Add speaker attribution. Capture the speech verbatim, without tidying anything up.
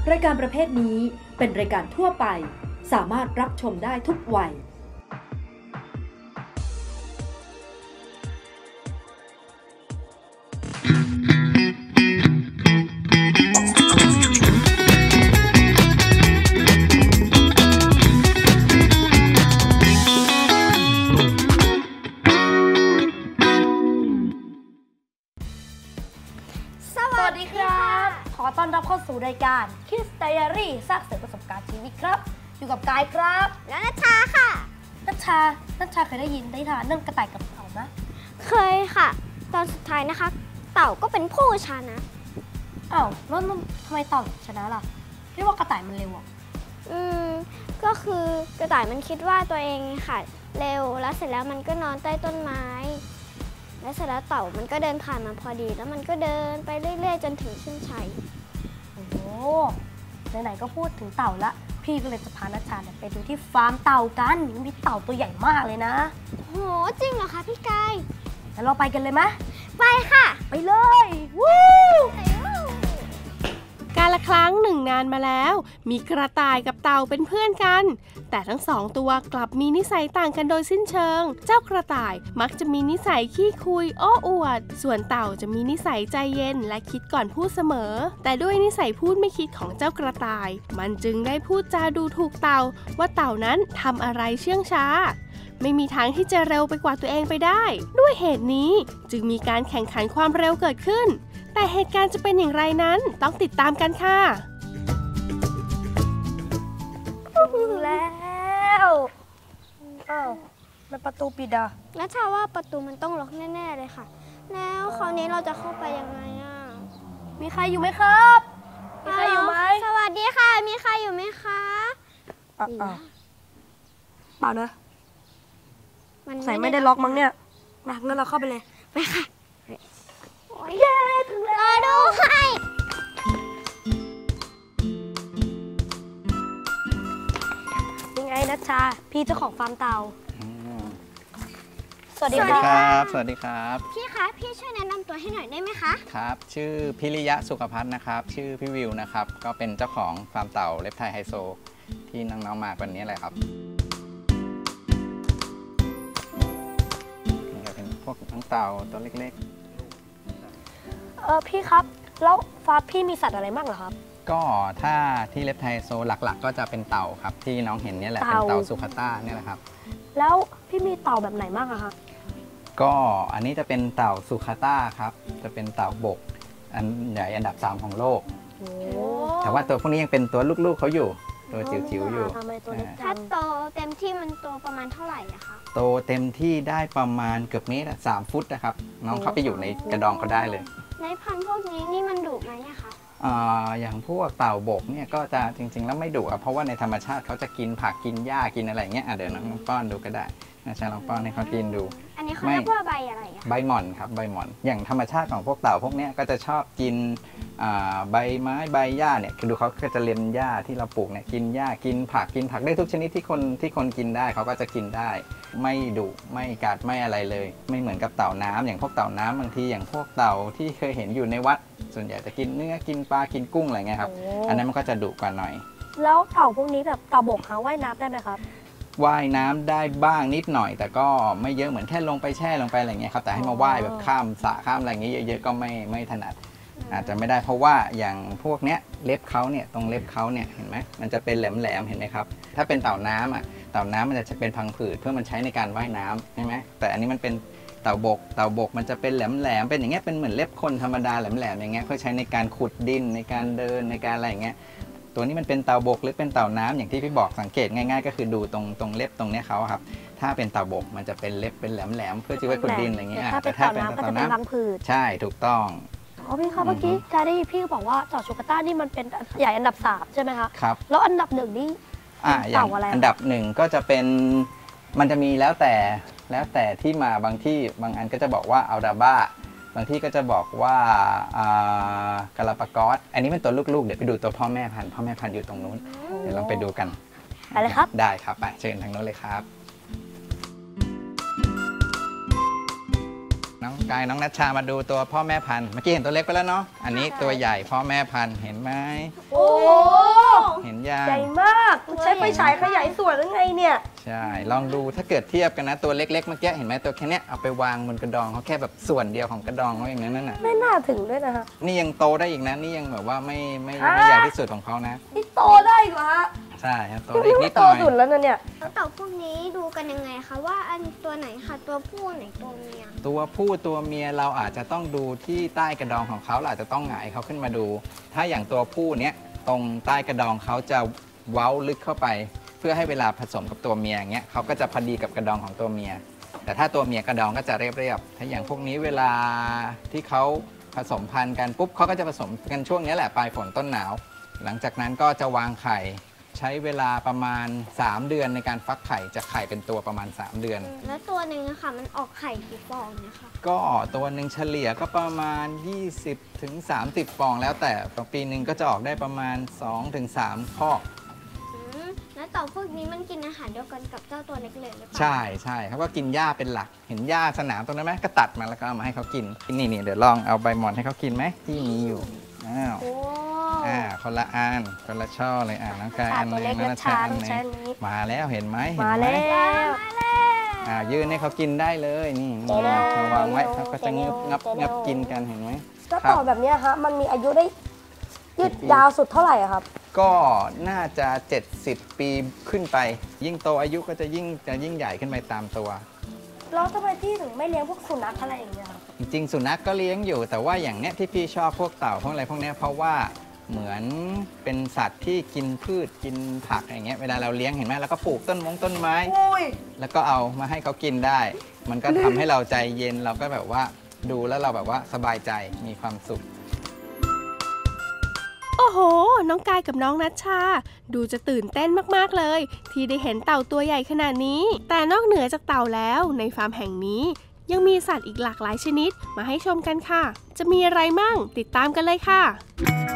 Speaker 1: รายการประเภทนี้เป็นรายการทั่วไปสามารถรับชมได้ทุกวัย
Speaker 2: สวัสดีครับขอต้อนรับเข้าสู่รายการ Kids Diary สร้างเสริมประสบการณ์ชีวิตครับอยู่กับกายครับและนัชชาค่ะนัชชานัชชาเคยได้ยินได้ทานเรื่องกระต่ายกับเต่าไหม
Speaker 3: เคยค่ะตอนสุดท้ายนะคะเต่าก็เป็นผู้ชนะ
Speaker 2: อ้าวแล้วทำไมเต่าชนะล่ะเรียกว่ากระต่ายมันเร็วอ่ะ
Speaker 3: อืมก็คือกระต่ายมันคิดว่าตัวเองค่ะเร็วแล้วเสร็จแล้วมันก็นอนใต้ต้นไม้แล้วเสร็จแล้วเต่ามันก็เดินผ่านมาพอดีแล้วมันก็เดินไปเรื่อยๆจนถึงเส้นชัย
Speaker 2: โอ้โหไหนๆก็พูดถึงเต่าละพี่ก็เลยจะพานัชชาเนี่ยไปดูที่ฟาร์มเต่ากันมีเต่าตัวใหญ่มากเลยนะ
Speaker 3: โหจริงเหรอคะพี่กาย
Speaker 2: แล้วเราไปกันเลยไหม
Speaker 3: ไปค่ะ
Speaker 2: ไปเลยวู้
Speaker 4: กาลครั้งหนึ่งนานมาแล้วมีกระต่ายกับเต่าเป็นเพื่อนกันแต่ทั้งสองตัวกลับมีนิสัยต่างกันโดยสิ้นเชิงเจ้ากระต่ายมักจะมีนิสัยขี้คุยโอ้อวดส่วนเต่าจะมีนิสัยใจเย็นและคิดก่อนพูดเสมอแต่ด้วยนิสัยพูดไม่คิดของเจ้ากระต่ายมันจึงได้พูดจาดูถูกเต่าว่าเต่านั้นทำอะไรเชื่องช้าไม่มีทางที่จะเร็วไปกว่าตัวเองไปได้ด้วยเหตุนี้จึงมีการแข่งขันความเร็วเกิดขึ้นแต่เหตุการณ์จะเป็นอย่างไรนั้นต้องติดตามกันค่ะ
Speaker 2: แล้วอ้าวมันประตูปิดอ่ะ
Speaker 3: แล้วถ้าว่าประตูมันต้องล็อกแน่ๆเลยค่ะแล้วคราวนี้เราจะเข้าไปยังไงอ่ะ
Speaker 2: มีใครอยู่ไหมครับมีใครอยู่ไหม
Speaker 3: สวัสดีค่ะมีใครอยู่ไหมคะ
Speaker 2: อ้าวเปล่านะใส่ไม่ได้ล็อกมั้งเนี่ยมางั้นเราเข้าไปเลย
Speaker 3: ไปค่ะเย้ถึงแล้วดูให้
Speaker 2: ยังไงนัชชาพี่เจ้าของฟาร์มเต่า
Speaker 5: สวัสดีครับสวัสดีครับ
Speaker 3: พี่คะพี่ช่วยแนะนำตัวให้หน่อยได้ไหมคะ
Speaker 5: ครับชื่อพิริยะสุขภัทรนะครับชื่อพี่วิวนะครับก็เป็นเจ้าของฟาร์มเต่าเล็บไทยไฮโซที่น้องๆมาวันนี้แหละครับนี่ก็เป็นพวกน้องเต่าตัวเล็กๆ
Speaker 2: เออพี่ครับแล้วฟาร์มพี่มีสัตว์อะไรบ้างเหรอครับ
Speaker 5: ก็ถ้าที่เล็บไทยโซหลักๆก็จะเป็นเต่าครับที่น้องเห็นนี่แหละเป็นเต่าสุขต้าเนี่ยแหละครับ
Speaker 2: แล้วพี่มีเต่าแบบไหนบ้างอะคะ
Speaker 5: ก็อันนี้จะเป็นเต่าสุขต้าครับจะเป็นเต่าบกอันใหญ่อันดับสามของโลกแต่ว่าตัวพวกนี้ยังเป็นตัวลูกๆเขาอยู่ตัวจิ๋วๆอยู่
Speaker 3: ถ้าโตเต็มที่มันโตประมาณเท่าไหร่อะคะ
Speaker 5: โตเต็มที่ได้ประมาณเกือบเมตรสามฟุตนะครับน้องเขาไปอยู่ในกระดองเขาได้เลย
Speaker 3: ในพันธุ์พวกนี้นี่มันดุไหมอะคะ
Speaker 5: อย่างพวกเต่าบกเนี่ยก็จะจริงๆแล้วไม่ดุเพราะว่าในธรรมชาติเขาจะกินผักกินหญ้ากินอะไรเงี้ยเดี๋ยวน้องป้อนดูก็ได้นะใช่ลองป้อนให้เขากินดู
Speaker 3: อันนี้เขาเรียกว่าใบอะไรอะ
Speaker 5: ใบหม่อนครับใบหม่อนอย่างธรรมชาติของพวกเต่าพวกนี้ก็จะชอบกินใบไม้ใบหญ้าเนี่ยคือดูเขาก็จะเลียนหญ้าที่เราปลูกเนี่ยกินหญ้ากินผักกินผักได้ทุกชนิดที่คนที่คนกินได้เขาก็จะกินได้ไม่ดุไม่กัดไม่อะไรเลยไม่เหมือนกับเต่าน้ำอย่างพวกเต่าน้ำบางทีอย่างพวกเต่าที่เคยเห็นอยู่ในวัดส่วนใหญ่จะกินเนื้อกินปลากินกุ้งอะไรเงี้ยครับอันนั้นมันก็จะดุกว่าหน่อย
Speaker 2: แล้วเต่าพวกนี้แบบเต่าบกหาว่ายน้ำได้ไหมครับ
Speaker 5: ว่ายน้ำได้บ้างนิดหน่อยแต่ก็ไม่เยอะเหมือนแค่ลงไปแช่ลงไปอะไรเงี้ยครับแต่ให้มาว่ายแบบข้ามสระข้ามอะไรเงี้ยเยอะๆก็ไม่ไม่ถนัดอาจจะไม่ได้เพราะว่าอย่างพวกเนี้ยเล็บเขาเนี่ยตรงเล็บเขาเนี่ยเห็นไหมมันจะเป็นแหลมๆเห็นไหมครับถ้าเป็นเต่าน้ำอ่ะเต่าน้ำมันจะเป็นพังผืดเพื่อมันใช้ในการว่ายน้ำใช่ไหมแต่อันนี้มันเป็นเต่าบกเต่าบกมันจะเป็นแหลมๆเป็นอย่างเงี้ยเป็นเหมือนเล็บคนธรรมดาแหลมๆอย่างเงี้ยเพื่อใช้ในการขุดดินในการเดินในการอะไรอย่างเงี้ยตัวนี้มันเป็นเต่าบกหรือเป็นเต่าน้ำอย่างที่พี่บอกสังเกตง่ายๆก็คือดูตรงตรงเล็บตรงเนี้ยเขาครับถ้าเป็นเต่าบกมันจะเป็นเล็บเป็นแหลมๆเพื่อที่ไว้ขุดดินอะไรเงี้ย
Speaker 2: แต่ถ้าเป็นเต่าน้ำก็จะเป็นพังผืด
Speaker 5: ใช่ถูกต้อง
Speaker 2: อ๋อพี่ครับเมื่อกี้การได้พี่บอกว่าเต่าสุขต้านี่มันเป็นใหญ่อันดับสามใช่ไหมคะ
Speaker 5: ครับ
Speaker 2: แล้วอันดับหนึ่งนี่
Speaker 5: เต่าอะไรอันดับหนึ่งก็จะเป็นมันจะมีแล้วแต่แล้วแต่ที่มาบางที่บางอันก็จะบอกว่าอัลดาบ้าบางที่ก็จะบอกว่ากาลาปากอสอันนี้เป็นตัวลูกๆเดี๋ยวไปดูตัวพ่อแม่พันธุ์พ่อแม่พันธุ์อยู่ตรงนู้นเดี๋ยวลองไปดูกัน
Speaker 2: ไปเลยครับ
Speaker 5: ได้ครับไปเชิญทางโน้นเลยครับน้องกายน้องนัชชามาดูตัวพ่อแม่พันธุ์เมื่อกี้เห็นตัวเล็กไปแล้วเนาะอันนี้ตัวใหญ่พ่อแม่พันธุ์เห็นไหม
Speaker 2: โอ้
Speaker 5: เห็นยัง
Speaker 2: ใหญ่มากมันใช้ไฟฉายขยายส่วนหรือไงเนี่ย
Speaker 5: ใช่ลองดูถ้าเกิดเทียบกันนะตัวเล็กๆเมื่อกี้เห็นไหมตัวแค่เนี้ยเอาไปวางบนกระดองเขาแค่แบบส่วนเดียวของกระดองเขาอย่างนั้นน่ะ
Speaker 2: ไม่น่าถึงด้วยนะคะ
Speaker 5: นี่ยังโตได้อีกนะนี่ยังแบบว่าไม่ไม่
Speaker 2: ฮะ
Speaker 5: ไม่ใหญ่ที่สุดของเขานะ
Speaker 2: นี่โตได้เหรอฮะ
Speaker 5: ใช่ครับโตได้อีกนิด
Speaker 2: โต
Speaker 5: หน่อย
Speaker 2: สุดแล้วนะเนี่ย
Speaker 3: แล้วเต่าพวกนี้ดูกันยังไงคะว่าอันตัวไหนค่ะตัวผู้ไหนตัวเมีย
Speaker 5: ตัวผู้ตัวเมียเราอาจจะต้องดูที่ใต้กระดองของเขาเราอาจจะต้องหงายเขาขึ้นมาดู ถ้าอย่างตัวผู้เนี้ยตรงใต้กระดองเขาจะเว้าลึกเข้าไป เพื่อให้เวลาผสมกับตัวเมียอย่างเงี้ยเขาก็จะพอดีกับกระดองของตัวเมีย แต่ถ้าตัวเมียกระดองก็จะเรียบๆถ้าอย่างพวกนี้เวลาที่เขาผสมพันธุ์กันปุ๊บเขาก็จะผสมกันช่วงนี้แหละปลายฝนต้นหนาว หลังจากนั้นก็จะวางไข่ใช้เวลาประมาณสามเดือนในการฟักไข่จะไข่เป็นตัวประมาณสามเดือน
Speaker 3: แล้วตัวหนึ่งอะค่ะมันออกไข่กี่ฟองเนี่ยค่ะ
Speaker 5: ก็ตัวหนึ่งเฉลี่ยก็ประมาณ ยี่สิบถึงสามสิบ ฟองแล้วแต่ปีหนึ่งก็จะออกได้ประมาณ สองถึงสาม คอก
Speaker 3: อืมแล้วเต่าพวกนี้มันกินอาหารเดียวกันกับเจ้าตัวเล็กเลยหรือเปล่า
Speaker 5: ใช่ใช่เขาก็กินหญ้าเป็นหลัก เห็นหญ้าสนามตรงนั้นไหมก็ตัดมาแล้วก็เอามาให้เขากินนี่นี่เดี๋ยวลองเอาใบหม่อนให้เขากินไหมที่มีอยู่อ้าว
Speaker 2: โอ้
Speaker 5: อ่าคนละอันคนละช่อเลยอ่าน้องกาย
Speaker 2: ตา
Speaker 5: อันห
Speaker 2: ตัว
Speaker 5: นึ
Speaker 2: เล็
Speaker 5: ง
Speaker 2: ก
Speaker 5: น้อง
Speaker 2: และ
Speaker 5: นัชชา
Speaker 2: ชา
Speaker 5: อัน
Speaker 2: ต้อง
Speaker 5: หนึ
Speaker 2: ใช้
Speaker 5: ง
Speaker 2: อันนี้
Speaker 5: มาแล้วเห็นไหมเห็น
Speaker 2: มา
Speaker 5: ไหม
Speaker 2: แล้ว
Speaker 5: อ่ายื่นให้เขากินได้เลยนี่นี่เอาวางไว้เขาก็จะงึบงับงับกินกันเห็นไหม
Speaker 2: แล้วต่อแบบเนี้ยฮะมันมีอายุได้ยืดยาวสุดเท่าไหร่อะครับ
Speaker 5: ก็น่าจะเจ็ดสิบปีขึ้นไป ยิ่งโตอายุก็จะยิ่งจะยิ่งใหญ่ขึ้นไปตามตัว
Speaker 2: แล้วทำไมพี่ถึงไม่เลี้ยงพวกสุนัขอะไรอย่างเงี้ยครับ
Speaker 5: จริงๆสุนัขก็เลี้ยงอยู่ แต่ว่าอย่างเนี้ยที่พี่ชอบพวกเต่าพวกอะไรพวกเนี้ยเพราะว่าเหมือนเป็นสัตว์ที่กินพืชกินผักอย่างเงี้ยเวลาเราเลี้ยงเห็นไหมแล้วก็ปลูกต้นมงต้นไม้
Speaker 2: อุ้ย
Speaker 5: แล้วก็เอามาให้เขากินได้ มันก็ทำให้เราใจเย็นเราก็แบบว่าดูแล้วเราแบบว่าสบายใจมีความสุข
Speaker 4: โอ้โห น้องกายกับน้องนัชชา ดูจะตื่นเต้นมากๆเลย ที่ได้เห็นเต่าตัวใหญ่ขนาดนี้ แต่นอกเหนือจากเต่าแล้วในฟาร์มแห่งนี้ ยังมีสัตว์อีกหลากหลายชนิดมาให้ชมกันค่ะ จะมีอะไรมั่งติดตามกันเลยค่ะ